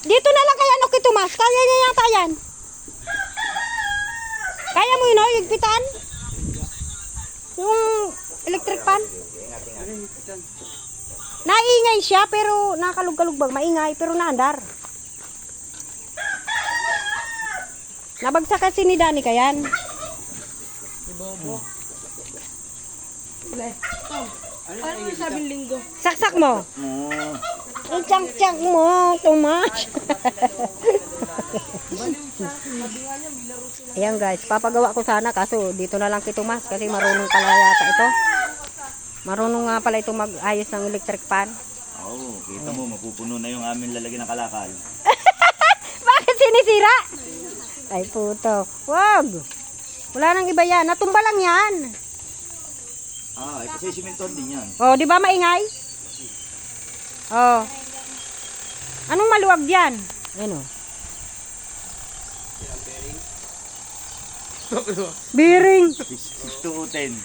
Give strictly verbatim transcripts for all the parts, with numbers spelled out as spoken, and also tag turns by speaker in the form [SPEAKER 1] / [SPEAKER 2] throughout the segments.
[SPEAKER 1] Dito na lang kaya, no, kay Tomas. Kaya niya yata yan. Kaya mo yun, no, higpitan? Yung electric pan? Naingay siya, pero nakakalug-kalugbag. Maingay, pero naandar. Nabagsak kasi ni Dani kayan.
[SPEAKER 2] Ibobo. Ano yung sabing linggo?
[SPEAKER 1] Saksak mo. Itsak-tsak mo, Tomas. Ayan guys, papagawa ko sana kaso dito na lang kay Tomas kasi marunong pala yata ito. Marunong nga pala ito mag-ayos ng electric pan.
[SPEAKER 3] Oo, oh, kita mo, mapupuno na yung amin lalagyan ng kalakal.
[SPEAKER 1] Bakit sinisira? Ay puto, wag. Wala nang iba yan, natumba lang yan.
[SPEAKER 3] Ah, eh, kasi simenton din yan.
[SPEAKER 1] Oh, di ba maingay? Oh. Anong maluwag diyan? Ano? Bearing.
[SPEAKER 3] six to ten.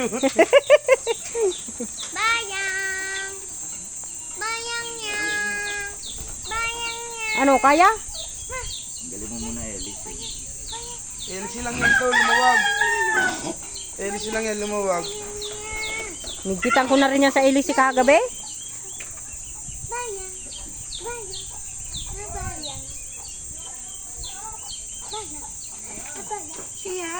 [SPEAKER 4] Bayang! Bayang niya! Bayang niya!
[SPEAKER 1] Ano, kaya?
[SPEAKER 3] Galing mo muna, Ellie.
[SPEAKER 2] L C lang yan to, lumawag. L C lang yan, lumawag.
[SPEAKER 1] Nigpitan ko na rin yan sa ilisi kagabi.
[SPEAKER 4] Bayang! Bayang! Na bayang! Bayang! Na bayang! Siya!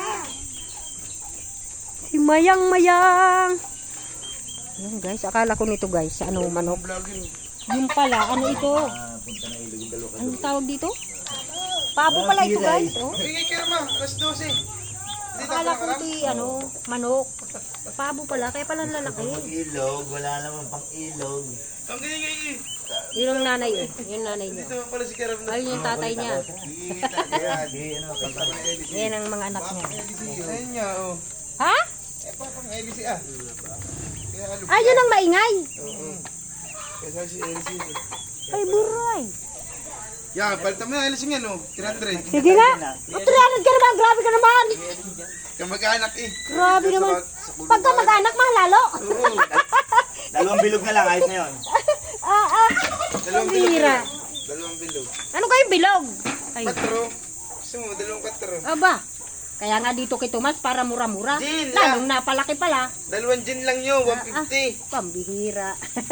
[SPEAKER 1] Si Mayang Mayang. Yan guys, akala ko nito guys, ano manok.
[SPEAKER 2] Vlogging.
[SPEAKER 1] Yung pala, ano ito?
[SPEAKER 3] Ah, punta na ilog yung dalawa ka
[SPEAKER 1] Anong tawag dito? Pabo pala ito guys. Oh.
[SPEAKER 2] Bigay ka naman, alas dose. Dito
[SPEAKER 1] Akala
[SPEAKER 2] ka
[SPEAKER 1] ko ito ano, manok. Pabo pala, kaya pala lalaki.
[SPEAKER 3] Mag-ilog, wala naman pang ilog.
[SPEAKER 2] Ang ganyan ganyan.
[SPEAKER 1] Yun ang nanay eh. Yun nanay niya.
[SPEAKER 2] Dito pala si Karam na.
[SPEAKER 1] Ayun yung tatay niya.
[SPEAKER 3] Kita, kaya, di, ano, kanta.
[SPEAKER 1] Yan ang mga anak niya.
[SPEAKER 2] Ayun niya, oh.
[SPEAKER 1] Ha?
[SPEAKER 2] Eh, papang L C ah. Kaya alo.
[SPEAKER 1] Ay, yun ang maingay.
[SPEAKER 2] Oo. Kaya si L C.
[SPEAKER 1] Ay, buray.
[SPEAKER 2] Yan, palitan mo na L C nga, no? three hundred.
[SPEAKER 1] Sige nga. O, three hundred ka naman. Grabe ka naman.
[SPEAKER 2] Kamag-anak eh.
[SPEAKER 1] Grabe naman. Pagka mag-anak, mahalalo.
[SPEAKER 2] Oo.
[SPEAKER 3] Dalawang bilog na lang, ayos na yun.
[SPEAKER 1] Ah, ah.
[SPEAKER 2] Dalawang
[SPEAKER 1] Ang
[SPEAKER 2] bilog.
[SPEAKER 1] bira.
[SPEAKER 2] Dalawang bilog.
[SPEAKER 1] Ano kayong bilog? Ay,
[SPEAKER 2] Katro. Gusto mo, dalawang katro.
[SPEAKER 1] aba. Kaya nga dito kay Tomas para mura-mura.
[SPEAKER 2] Gin,
[SPEAKER 1] Lalong napalaki pala.
[SPEAKER 2] Dalawang gin lang yun, one fifty.
[SPEAKER 1] Pambihira.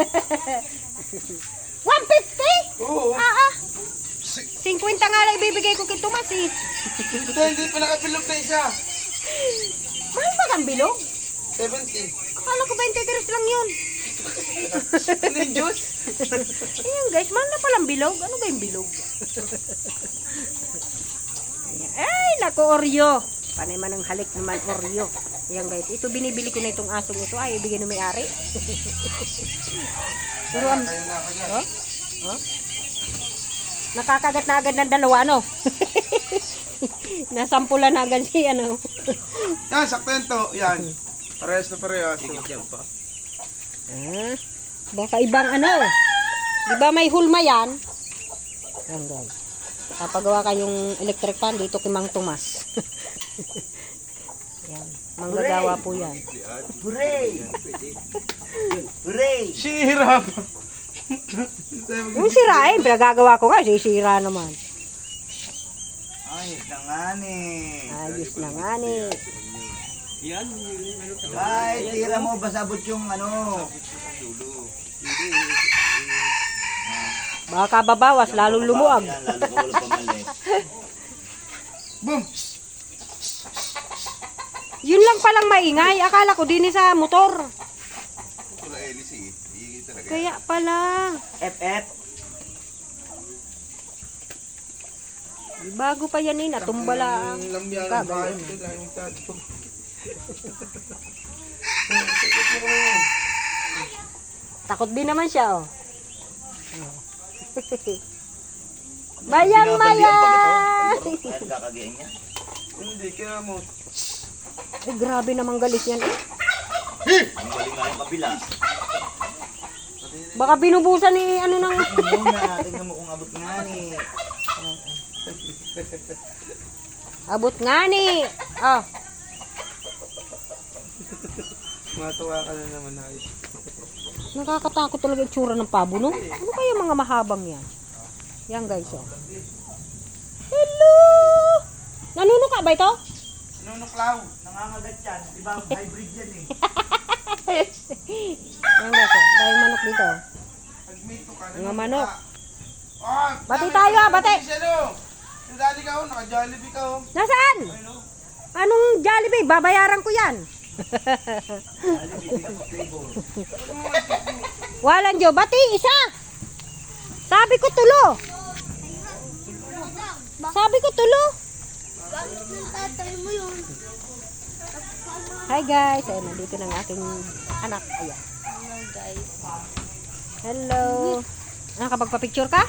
[SPEAKER 1] one fifty?
[SPEAKER 2] Oo.
[SPEAKER 1] Ah, ah. fifty nga lang ibibigay ko kay Tomas eh.
[SPEAKER 2] Ito, hindi pa nakabilog na isa.
[SPEAKER 1] Mahal ba ang bilog?
[SPEAKER 2] seventy.
[SPEAKER 1] Akala ko twenty-three lang yun.
[SPEAKER 2] Ano yung juice?
[SPEAKER 1] Ayan guys, mahal na palang bilog. Ano ba yung bilog? Ay, naku Oreo. Panay man ang halik naman Oreo. Ayan guys, ito binibili ko na itong asong ito. Ay, ibigay na may-ari. Pero ang...
[SPEAKER 2] Ayun na ako dyan.
[SPEAKER 1] Oh? Oh? Nakakagat na agad ng dalawa, ano? Nasampulan na agad si, ano?
[SPEAKER 2] Yan, sakto yan to. Yan. Parehas na parehas.
[SPEAKER 1] Ah, baka ibang ano. Di ba may hulma yan? Yan guys. Kapagawa kayong electric fan dito kay Mang Tomas. Yan. Manggagawa po yan.
[SPEAKER 3] Hooray! Hooray!
[SPEAKER 2] Sira pa.
[SPEAKER 1] Yung sira eh, pinagagawa ko nga, sisira naman.
[SPEAKER 3] Ayos na nga ni.
[SPEAKER 1] Ayos na nga ni.
[SPEAKER 3] Ay, tira mo, basabot yung ano.
[SPEAKER 1] Baka babawas, lalong lumuwag.
[SPEAKER 3] Yan, lalo ka wala pamali.
[SPEAKER 2] Boom!
[SPEAKER 1] Yun lang palang maingay. Akala ko din sa motor.
[SPEAKER 2] Wala L C eh. Iigit talaga.
[SPEAKER 1] Kaya pala.
[SPEAKER 3] F F.
[SPEAKER 1] Bago pa yan eh, natumba lang.
[SPEAKER 2] Ang lambyan ng
[SPEAKER 1] Kagaya
[SPEAKER 2] bahay.
[SPEAKER 1] na.
[SPEAKER 2] Ito lang yung tato.
[SPEAKER 1] Takot din naman siya, oh. Bayang mayang!
[SPEAKER 3] At kakagayin niya.
[SPEAKER 2] Hindi, kaya mo.
[SPEAKER 1] Ay, grabe naman galit yan eh.
[SPEAKER 3] Ang galing nga yung kabila.
[SPEAKER 1] Baka binubusan ni ano nang...
[SPEAKER 3] Tingnan mo na, tingnan mo kung abot nga ni.
[SPEAKER 1] Abot nga ni. Oh.
[SPEAKER 2] Matuwa ka na naman ayos.
[SPEAKER 1] Nakakatakot talaga yung tsura ng pabo, no? Ano kaya mga mahabang yan? Yan guys, oh. Hello! Nanunuka ba ito?
[SPEAKER 2] Nunuklaw.
[SPEAKER 3] Nangangagat yan. Diba, hybrid yan eh.
[SPEAKER 1] Yan guys, oh. Dahil manok dito.
[SPEAKER 2] Pag may ito ka,
[SPEAKER 1] Mga manok.
[SPEAKER 2] Oh,
[SPEAKER 1] Bati tayo, ah, bati.
[SPEAKER 2] Nadali ka, oh. Naka-jollibee ka, oh.
[SPEAKER 1] Nasaan? Anong Jollibee? Babayaran ko yan. Walang jo. Bati, isa. Sabi ko tulo. Sabi ko tulo.
[SPEAKER 4] Bakit yung tatay mo yun?
[SPEAKER 1] Hi guys. Ayun, nandito ng aking anak. Ayan.
[SPEAKER 4] Hello guys.
[SPEAKER 1] Hello. Nakapagpa-picture ka?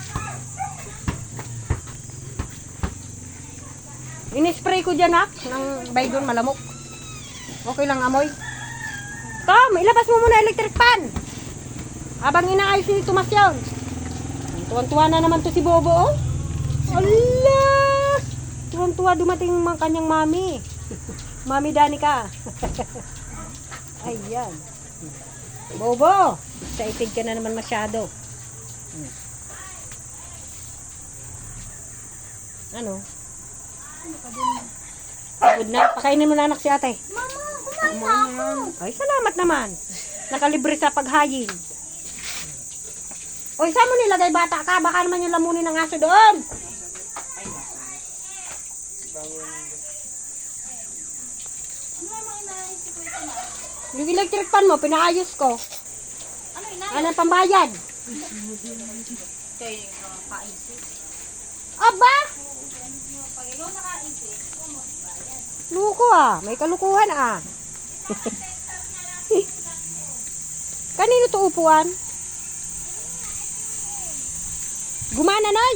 [SPEAKER 1] Inispray ko dyan ha. Ng baygon malamok. Okay lang amoy. Tom, ilabas mo muna electric fan. Habang inaayos ni Tomas yun. Tuwan-tuwa na naman to si Bobo oh. Ala! Tuwan-tuwa dumating ang kanyang mami. Mami Danica. Ayan. Bobo, excited ka na naman masyado. Hmm. Ano? Pagod na. Pakainin mo na anak si ate.
[SPEAKER 4] Mama, kumain na ako.
[SPEAKER 1] Ay, salamat naman. Nakalibre sa paghayin. Oy, saan mo nilagay bata ka? Baka naman yung lamunin ng aso doon. Yung electric fan mo, pinaayos ko.
[SPEAKER 4] Ano ina?
[SPEAKER 1] Ano ang pambayad?
[SPEAKER 4] Kayo yung nakaisip.
[SPEAKER 1] Aba!
[SPEAKER 4] Pag ikaw nakaisip,
[SPEAKER 1] Luko ah. May kalukuhan ah. Kanino to upuan? Gumana na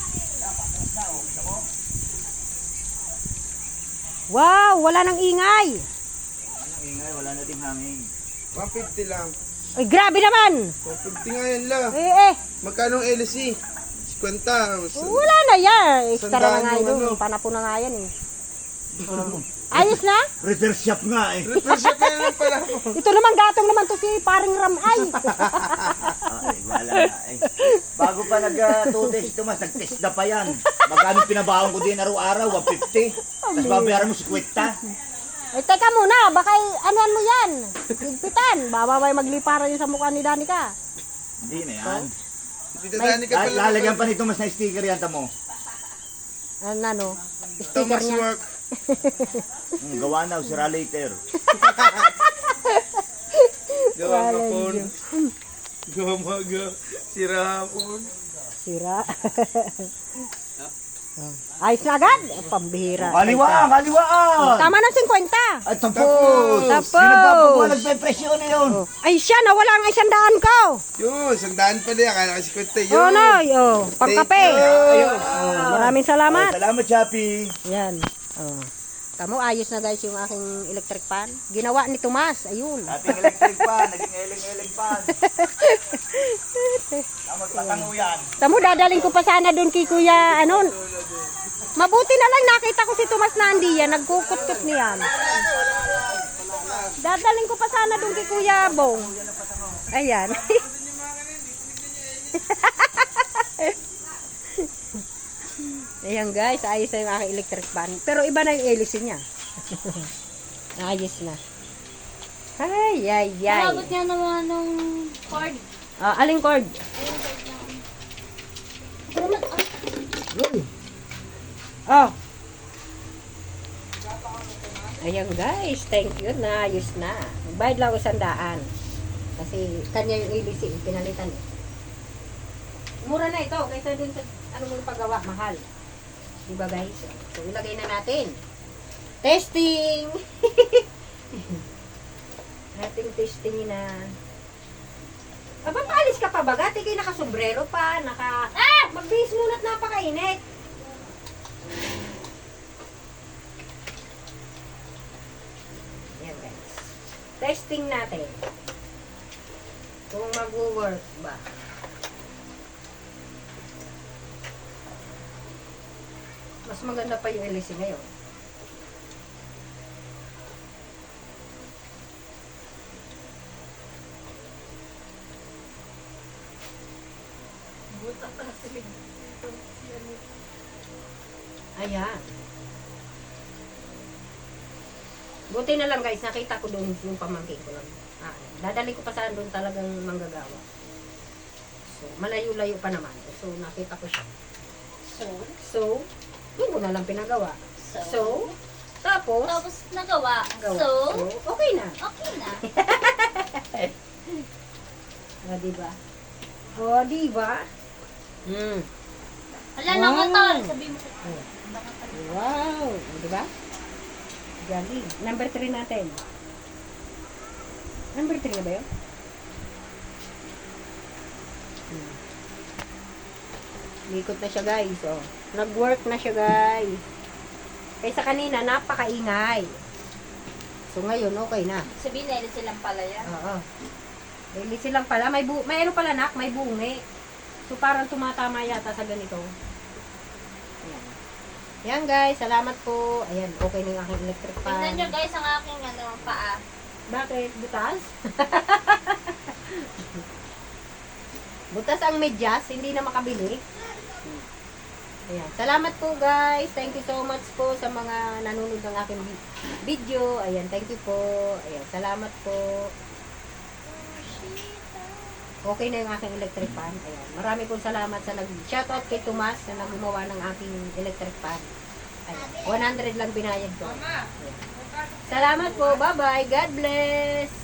[SPEAKER 1] Wow, wala nang ingay.
[SPEAKER 3] Anong ingay, wala na ding hangin.
[SPEAKER 2] one fifty lang.
[SPEAKER 1] Ay, grabe naman.
[SPEAKER 2] one fifty nga yan lang.
[SPEAKER 1] Eh, eh.
[SPEAKER 2] Magkano ang L C? fifty.
[SPEAKER 1] Wala na yan. Extra na
[SPEAKER 2] Sandaan
[SPEAKER 1] nga
[SPEAKER 2] yung
[SPEAKER 1] ito.
[SPEAKER 2] ano.
[SPEAKER 1] Panapo na nga yan eh. Ayos na?
[SPEAKER 3] Repair shop nga eh.
[SPEAKER 2] Repair shop na lang pala ako.
[SPEAKER 1] Ito naman gatong naman to si paring Ramay.
[SPEAKER 3] Ay, wala na eh. Bago pa nag-two days ito mas, nag-test na pa yan. Magkano pinabaon ko din araw-araw, one fifty. Tapos babayaran mo si Kwenta.
[SPEAKER 1] Eh, teka muna. Baka anuan mo yan. Higpitan. Bababay magliparan yung sa mukha ni Danica.
[SPEAKER 3] Hindi na yan.
[SPEAKER 2] Dito dani ka
[SPEAKER 3] Lal-
[SPEAKER 2] pala.
[SPEAKER 3] Lalagyan pa nito mas na sticker yan tamo.
[SPEAKER 1] Ano, ano? Sticker
[SPEAKER 2] Thomas
[SPEAKER 1] niya.
[SPEAKER 2] work.
[SPEAKER 3] Hmm, gawa na, sira later.
[SPEAKER 2] Gawa hapon. Gawa maga. Sira hapon.
[SPEAKER 1] Sira. Oh. Ayos na agad. Eh, pambihira.
[SPEAKER 3] Kaliwaan, kaliwaan!
[SPEAKER 1] Tama ng fifty.
[SPEAKER 3] At tapos!
[SPEAKER 1] Tapos!
[SPEAKER 3] Sino ba po nagpe-presyo na yun?
[SPEAKER 1] Oh. Ay siya, nawala ang isang daan ko.
[SPEAKER 2] Yun, sandaan pala yan. Akala kasi kwenta yun.
[SPEAKER 1] Oh, no. Oh, pangkape.
[SPEAKER 2] Thank you.
[SPEAKER 1] Oh, maraming salamat.
[SPEAKER 3] Ay, salamat, Chappy.
[SPEAKER 1] Yan. Oh. Tamo, ayos na guys yung aking electric fan. Ginawa ni Tomas. Ayun.
[SPEAKER 3] Dating electric pan, naging eling-eling pan. Tama, patango yan.
[SPEAKER 1] Tamo, dadaling ko pa sana doon kay Kuya, ano. Mabuti na lang nakita ko si Tomas na andi yan. Nagkukut-kut niyan. Dadaling ko pa sana doon kay Kuya Bong. Ayan. Ayan guys, ayos na yung aking electric fan. Pero iba na yung hélice niya. Ayos na. Ay, ay, ay.
[SPEAKER 4] Nakabot nga naman ng cord.
[SPEAKER 1] Ah, aling cord?
[SPEAKER 4] Ayun, cord na.
[SPEAKER 1] Oh. Ayan guys, thank you na, ayos na. Bayad lang isang daan. Kasi kanya yung hélice, pinalitan eh. Mura na ito, kaysa dun sa ano mo paggawa, mahal. Diba guys? So ilagay na natin. Testing! Ating testing na. Aba, paalis ka pa ba? Gati kayo nakasombrero pa, naka... Ah! Magbihis muna at napakainit. Yan guys. Testing natin. Kung mag-work ba. Mas maganda pa yung L C ngayon. Ayan. Buti na lang guys, nakita ko doon yung pamangkin ko lang. Ah, dadali ko pa saan doon talagang manggagawa. So, malayo-layo pa naman. So, nakita ko siya.
[SPEAKER 4] So,
[SPEAKER 1] So, yun ko na lang pinagawa.
[SPEAKER 4] so,
[SPEAKER 1] So, tapos,
[SPEAKER 4] tapos nagawa.
[SPEAKER 1] gawa.
[SPEAKER 4] So,
[SPEAKER 1] okay na.
[SPEAKER 4] okay na.
[SPEAKER 1] O, diba? O, diba? Hmm.
[SPEAKER 4] Wala
[SPEAKER 1] Wow.
[SPEAKER 4] na ko tol. Sabi mo.
[SPEAKER 1] Oh.
[SPEAKER 4] Baka pala.
[SPEAKER 1] Wow! O, diba? Galing. Number three natin. Number three na ba yun? Hmm. Likot na siya guys. Oh. Nag-work na siya guys. Kaysa kanina, napakaingay. So ngayon, okay na.
[SPEAKER 4] Sabihin na silang pala yan.
[SPEAKER 1] Oo. Daily silang pala. May, bu may ano pala nak, may bungi. So parang tumatama yata sa ganito. Ayan. Yan guys, salamat po. Ayan, okay na yung aking electric fan.
[SPEAKER 4] Tingnan nyo guys ang aking ano, paa.
[SPEAKER 1] Bakit? Butas? Butas ang medyas, hindi na makabili. Ayan. Salamat po guys. Thank you so much po sa mga nanonood ng aking vi- video. Ayan, thank you po. Ayan, salamat po. Okay na yung aking electric fan. Ayan. Marami pong salamat sa nag-shoutout kay Tomas na gumawa ng aking electric fan. Ayan. one hundred lang binayad ko. Ayan. Salamat po. Bye-bye. God bless.